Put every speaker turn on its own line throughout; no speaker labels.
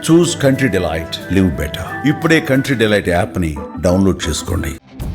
చూస్ country delight, live better. ఇప్పుడే country delight యాప్ని download చేసుకోండి.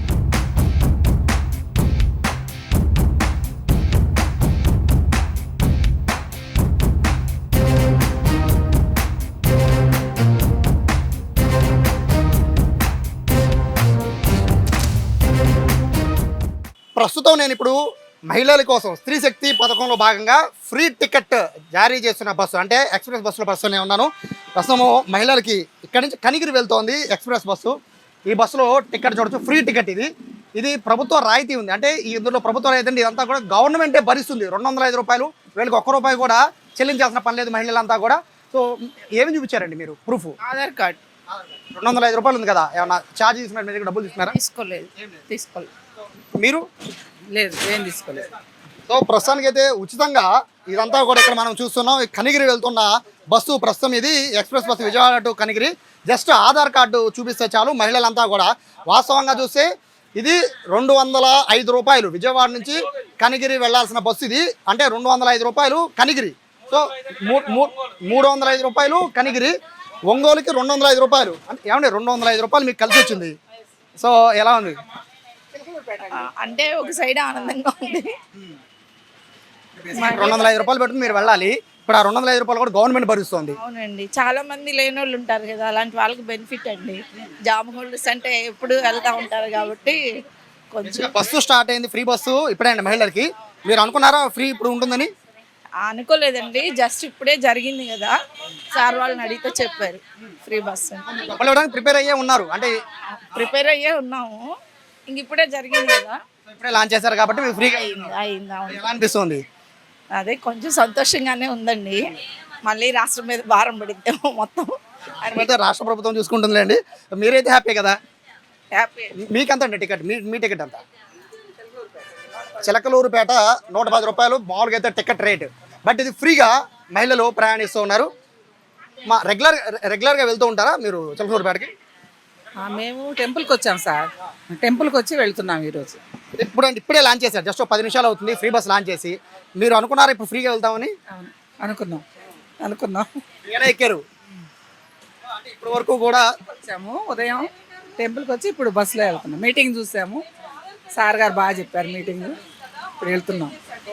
ప్రస్తుతం నేను ఇప్పుడు మహిళల కోసం స్త్రీ శక్తి పథకంలో భాగంగా ఫ్రీ టికెట్ జారీ చేస్తున్న బస్సు అంటే ఎక్స్ప్రెస్ బస్సులో బస్సునే ఉన్నాను. ప్రస్తుతము మహిళలకి ఇక్కడి నుంచి కనిగిరి వెళ్తోంది ఎక్స్ప్రెస్ బస్సు. ఈ బస్సులో టికెట్ చూడొచ్చు, ఫ్రీ టికెట్ ఇది ప్రభుత్వ రాయితీ ఉంది. అంటే ఇందులో ప్రభుత్వ రాయితీ అంటే ఇదంతా కూడా గవర్నమెంటే భరిస్తుంది. 205 రూపాయలు, వీళ్ళకి ₹1 కూడా చెల్లించాల్సిన పని లేదు మహిళలంతా కూడా. సో ఏమి చూపించారండి మీరు ప్రూఫ్?
ఆధార్ కార్డ్.
205 రూపాయలు ఉంది కదా, ఏమన్నా ఛార్జ్ తీసుకున్నారు? మీరు డబ్బులు తీసుకున్నారా?
తీసుకోలేదు.
మీరు?
లేదు, ఏం తీసుకోలేదు.
సో ప్రస్తుతానికి అయితే ఉచితంగా ఇదంతా కూడా ఇక్కడ మనం చూస్తున్నాం. కనిగిరి వెళ్తున్న బస్సు ప్రస్తుతం ఇది express bus Vijayawada to Kanigiri. Just Aadhaar card చూపిస్తే చాలు మహిళలంతా కూడా. వాస్తవంగా చూస్తే ఇది 205 రూపాయలు విజయవాడ నుంచి కనిగిరి వెళ్లాల్సిన బస్సు ఇది. అంటే 205 రూపాయలు కనిగిరి. సో 305 రూపాయలు కనిగిరి, ఒంగోలుకి 205 రూపాయలు. అంటే ఏమండి 205 రూపాయలు మీకు కలిసి వచ్చింది. సో ఎలా ఉంది?
అంటే ఒక సైడ్ ఆనందంగా ఉంది.
205 రూపాయలు పెట్టుకుని మీరు వెళ్ళాలి. ఇప్పుడు ఆ 205 రూపాయలు కూడా గవర్నమెంట్ భరిస్తుంది.
అవునండి, చాలా మంది లేని వాళ్ళు ఉంటారు కదా, అలాంటి వాళ్ళకి బెనిఫిట్ అండి. జాబ్ హోల్డర్స్ అంటే ఎప్పుడు వెళ్తూ ఉంటారు కాబట్టి కొంచెం.
బస్సు స్టార్ట్ అయింది, ఫ్రీ బస్సు ఇప్పుడే అండి మహిళలకి. మీరు అనుకున్నారా ఫ్రీ ఇప్పుడు ఉంటుందని?
అనుకోలేదండి, జస్ట్ ఇప్పుడే జరిగింది కదా, సార్ వాళ్ళని అడిగితే చెప్పారు ఫ్రీ బస్ అని.
డబ్బులు ఇవ్వడానికి ప్రిపేర్ అయ్యే ఉన్నారు, అంటే
ప్రిపేర్ అయ్యే ఉన్నాము. ఇంక ఇప్పుడే జరిగింది కదా,
ఇప్పుడే లాంచ్ చేశారు కాబట్టి మీకు ఫ్రీగా
అయింది.
ఎలా అనిపిస్తుంది?
అదే కొంచెం సంతోషంగానే ఉందండి. మళ్ళీ రాష్ట్రం మీద భారం పడిద్దాము మొత్తం.
అయితే రాష్ట్ర ప్రభుత్వం చూసుకుంటుందిలేండి. మీరైతే హ్యాపీ కదా?
హ్యాపీ.
మీకెంత అండి టికెట్? మీ టికెట్ ఎంత? చిలకలూరుపేట 110 రూపాయలు మామూలుగా అయితే టికెట్ రేట్. బట్ ఇది ఫ్రీగా మహిళలు ప్రయాణిస్తూ ఉన్నారు. మా రెగ్యులర్గా వెళ్తూ ఉంటారా మీరు చిలకలూరుపేటకి?
మేము టెంపుల్కి వచ్చాం సార్, టెంపుల్కి వచ్చి వెళ్తున్నాం ఈరోజు.
ఇప్పుడే లాంచ్ చేశారు, జస్ట్ 10 నిమిషాలు అవుతుంది ఫ్రీ బస్ లాంచ్ చేసి. మీరు అనుకున్నారా ఇప్పుడు ఫ్రీగా వెళ్తామని?
అనుకున్నాం.
ఏనా ఎక్కారు? అంటే ఇప్పటి వరకు కూడా
వచ్చాము, ఉదయం టెంపుల్కి వచ్చి ఇప్పుడు బస్సులో వెళ్తున్నాం. మీటింగ్ చూసాము, సార్ గారు బాగా చెప్పారు మీటింగ్, ఇప్పుడు వెళ్తున్నాం.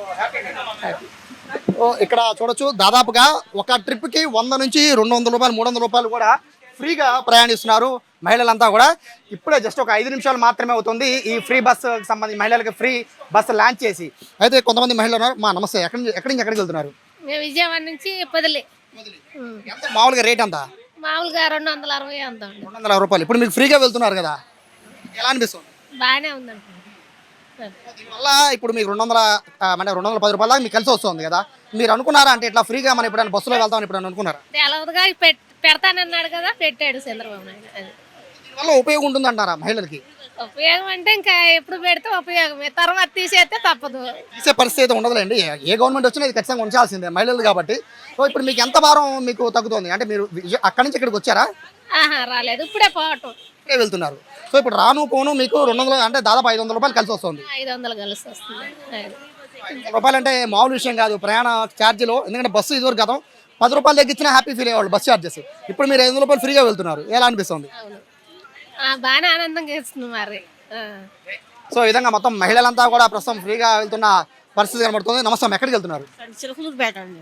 ఇక్కడ చూడొచ్చు, దాదాపుగా ఒక ట్రిప్కి 100 నుంచి 200 రూపాయలు 300 రూపాయలు కూడా ఫ్రీగా ప్రయాణిస్తున్నారు మహిళలంతా కూడా. ఇప్పుడే జస్ట్ ఒక 5 నిమిషాలు మాత్రమే అవుతుంది ఈ ఫ్రీ బస్సు సంబంధించి మహిళలకు ఫ్రీ బస్సు లాంచ్ చేసి. అయితే కొంతమంది మహిళలు ఉన్నారు. మా నమస్తే, ఎక్కడి నుంచి ఎక్కడికి వెళ్తున్నారు?
మేము విజయవాడ నుంచి పొదిలి.
మామూలుగా రేట్ ఎంత?
మామూలుగా 260 అంత.
260 రూపాయలు. ఇప్పుడు మీకు ఫ్రీగా వెళ్తున్నారు కదా, ఎలా అనిపిస్తుంది?
బాగానే ఉందండి.
దీనివల్ల ఇప్పుడు మీకు 210 రూపాయల దాకా మీకు కలిసి వస్తుంది కదా. మీరు అనుకున్నారా అంటే ఇట్లా ఫ్రీగా మనం ఎప్పుడైనా బస్సులో వెళ్తామని ఎప్పుడైనా అనుకున్నారా?
తెలవదుగా పెడతానన్నాడు కదా, పెట్టాడు చంద్రబాబు నాయుడు.
దీనివల్ల ఉపయోగం ఉంటుందంటారా మహిళలకి?
ఉపయోగం అంటే ఇంకా ఎప్పుడు పెడితే ఉపయోగమే, తర్వాత తీసేస్తే తప్పదు.
తీసే పరిస్థితి అయితే ఉండదులేండి. ఏ గవర్నమెంట్ వచ్చినా ఇది ఖచ్చితంగా ఉంచాల్సిందే మహిళలు కాబట్టి. సో ఇప్పుడు మీకు ఎంత భారం మీకు తగ్గుతుంది? అంటే మీరు అక్కడి నుంచి ఇక్కడికి వచ్చారా?
రాలేదు, ఇప్పుడే పోవటం.
ఇప్పుడే వెళ్తున్నారు. సో ఇప్పుడు రాను పోను మీకు 200 అంటే దాదాపు 500 రూపాయలు కలిసి వస్తుంది.
500 కలిసి వస్తుంది.
500 రూపాయలు అంటే మామూలు విషయం కాదు ప్రయాణ ఛార్జీలో. ఎందుకంటే బస్సు ఇదివరకు గతం 10 రూపాయలు తగ్గించినా హ్యాపీ ఫీల్ అయ్యేవాళ్ళు బస్ ఛార్జెస్. ఇప్పుడు మీరు 500 రూపాయలు ఫ్రీగా వెళ్తున్నారు, ఎలా అనిపిస్తుంది?
బాగానే ఆనందంగా ఇస్తుంది మరి.
సో ఈ విధంగా మొత్తం మహిళలంతా కూడా ప్రస్తుతం ఫ్రీగా వెళ్తున్న పరిస్థితి కనబడుతుంది. నమస్తే, ఎక్కడికి వెళ్తున్నారు?
చిలకలూరుపేట అండి.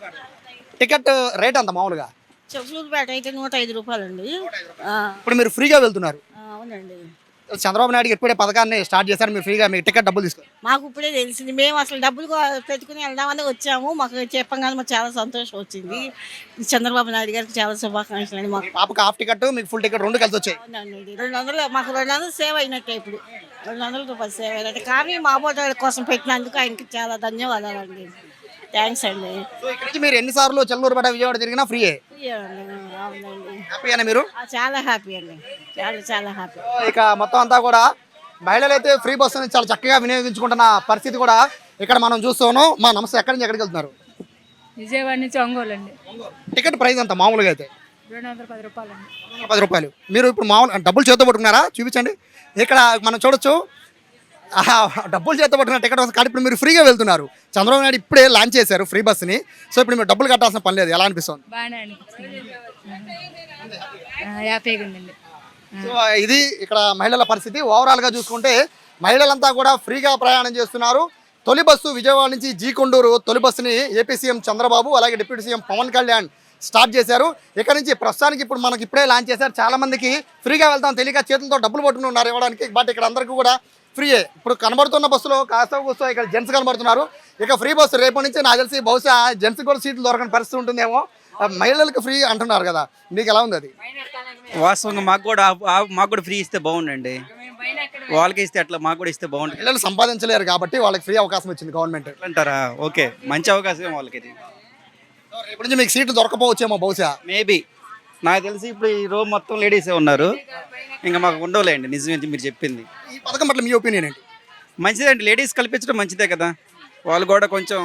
టికెట్ రేట్ అంత మామూలుగా?
చిలకలూరుపేట అయితే 105 రూపాయలు అండి.
ఇప్పుడు మీరు ఫ్రీగా వెళ్తున్నారు.
అవునండి.
చంద్రబాబు నాయుడు ఇప్పుడే పథకాన్ని స్టార్ట్ చేశారు, మీరు ఫ్రీగా మీకు టికెట్ డబ్బులు తీసుకోండి.
మాకు ఇప్పుడే తెలిసింది, మేము అసలు డబ్బులు పెట్టుకుని వెళ్దామని వచ్చాము. మాకు చెప్పగానే మాకు చాలా సంతోషం వచ్చింది. చంద్రబాబు నాయుడు గారికి చాలా శుభాకాంక్షలు అండి. మాకు
పాపకు హాఫ్ టికెట్, మీకు ఫుల్ టికెట్ 2 కలిసి వచ్చాయి.
అవునండి, 200 మాకు 200 సేవ్ అయినట్టే. ఇప్పుడు 200 రూపాయలు సేవ్ అయినట్టే. కానీ మా బోట కోసం పెట్టినందుకు ఆయనకి చాలా ధన్యవాదాలండి. థ్యాంక్స్ అండి.
సో ఇక్కడ నుంచి మీరు ఎన్నిసార్లు చెల్లూరుపేట విజయవాడ తిరిగినా ఫ్రీయే?
అవునండి,
హ్యాపీయేనా మీరు?
చాలా హ్యాపీ అండి, చాలా హ్యాపీ.
ఇక మొత్తం అంతా కూడా మహిళలు అయితే ఫ్రీ బస్సుని చాలా చక్కగా వినియోగించుకుంటున్న పరిస్థితి కూడా ఇక్కడ మనం చూస్తున్నాం. మా నమస్తే, ఎక్కడి నుంచి ఎక్కడికి వెళ్తున్నారు?
విజయవాడ నుంచి ఒంగోలు అండి.
టికెట్ ప్రైస్ అంత మామూలుగా అయితే
210 రూపాయలు అండి.
210 రూపాయలు. మీరు ఇప్పుడు మామూలు డబ్బులు చేతితో పట్టుకున్నారా? చూపించండి. ఇక్కడ మనం చూడొచ్చు డబ్బులు చేత పట్టుకున్న టికెట్ వస్తుంది కానీ ఇప్పుడు మీరు ఫ్రీగా వెళ్తున్నారు. చంద్రబాబు నాయుడు ఇప్పుడే లాంచ్ చేశారు ఫ్రీ బస్సుని. సో ఇప్పుడు మీరు డబ్బులు కట్టాల్సిన పని లేదు. ఎలా అనిపిస్తుంది?
బాగానే అనిపిస్తుంది. హ్యాపీగా ఉందండి.
సో ఇది ఇక్కడ మహిళల పరిస్థితి. ఓవరాల్గా చూసుకుంటే మహిళలంతా కూడా ఫ్రీగా ప్రయాణం చేస్తున్నారు. తొలి బస్సు విజయవాడ నుంచి కొండూరు తొలి బస్సుని ఏపీ సీఎం చంద్రబాబు అలాగే deputy CM Pawan Kalyan start చేశారు. ఇక్కడ నుంచి ప్రస్తుతానికి ఇప్పుడు మనకి ఇప్పుడే లాంచ్ చేశారు. చాలా మందికి ఫ్రీగా వెళ్తాం తెలియక చేతులతో డబ్బులు పట్టుకుని ఉన్నారు ఇవ్వడానికి. బట్ ఇక్కడ అందరికీ కూడా ఫ్రీయే. ఇప్పుడు కనబడుతున్న బస్సులో కాస్త కూస్తో ఇక్కడ జెంట్స్ కనబడుతున్నారు. ఇక ఫ్రీ బస్సు రేపటి నుంచి నాకు తెలిసి బహుశా జెంట్స్ కూడా సీట్లు దొరకని పరిస్థితి ఉంటుందేమో. మహిళలకు ఫ్రీ అంటున్నారు కదా, మీకు ఎలా ఉంది అది?
వాస్తవంగా మాకు కూడా ఫ్రీ ఇస్తే బాగుండండి. వాళ్ళకి ఇస్తే అట్లా మాకు కూడా ఇస్తే బాగుంటుంది.
మహిళలు సంపాదించలేరు కాబట్టి వాళ్ళకి ఫ్రీ అవకాశం ఇచ్చింది గవర్నమెంట్
అంటారా? ఓకే, మంచి అవకాశం వాళ్ళకి ఇది.
రేపటి నుంచి మీకు సీట్లు దొరకపోవచ్చేమో బహుశా.
మేబీ నాకు తెలిసి ఇప్పుడు ఈ రోజు మొత్తం లేడీసే ఉన్నారు, ఇంకా మాకు ఉండవులేండి. నిజమే మీరు చెప్పింది.
ఈ పథకం పట్ల మీ ఒపీనియన్ ఏంటి?
మంచిదండి, లేడీస్ కల్పించడం మంచిదే కదా. వాళ్ళు కూడా కొంచెం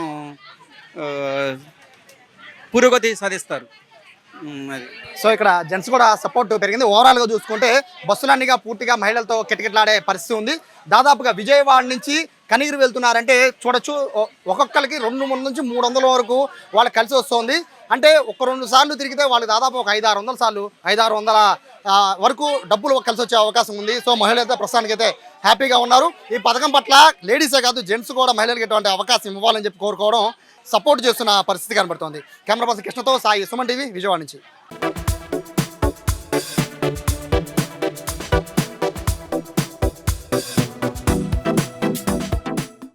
పురోగతి సాధిస్తారు. అది
సో ఇక్కడ జెంట్స్ కూడా సపోర్ట్ పెరిగింది. ఓవరాల్గా చూసుకుంటే బస్సులన్నీగా పూర్తిగా మహిళలతో కిటకిటలాడే పరిస్థితి ఉంది. దాదాపుగా విజయవాడ నుంచి కనిగిరి వెళ్తున్నారంటే చూడొచ్చు, ఒక్కొక్కరికి 200 నుంచి 300 వరకు వాళ్ళకి కలిసి వస్తుంది. అంటే ఒక 2 సార్లు తిరిగితే వాళ్ళకి దాదాపు ఒక 500-600 సార్లు 500-600 వరకు డబ్బులు కలిసి వచ్చే అవకాశం ఉంది. సో మహిళలు అయితే ప్రస్తుతానికైతే హ్యాపీగా ఉన్నారు. ఈ పథకం పట్ల లేడీసే కాదు జెంట్స్ కూడా మహిళలకు ఎటువంటి అవకాశం ఇవ్వాలని చెప్పి కోరుకోవడం, సపోర్ట్ చేస్తున్న పరిస్థితి కనబడుతోంది. కెమెరా పర్సన్ కృష్ణతో సాయి, సుమన్ టీవీ, విజయవాడ నుంచి.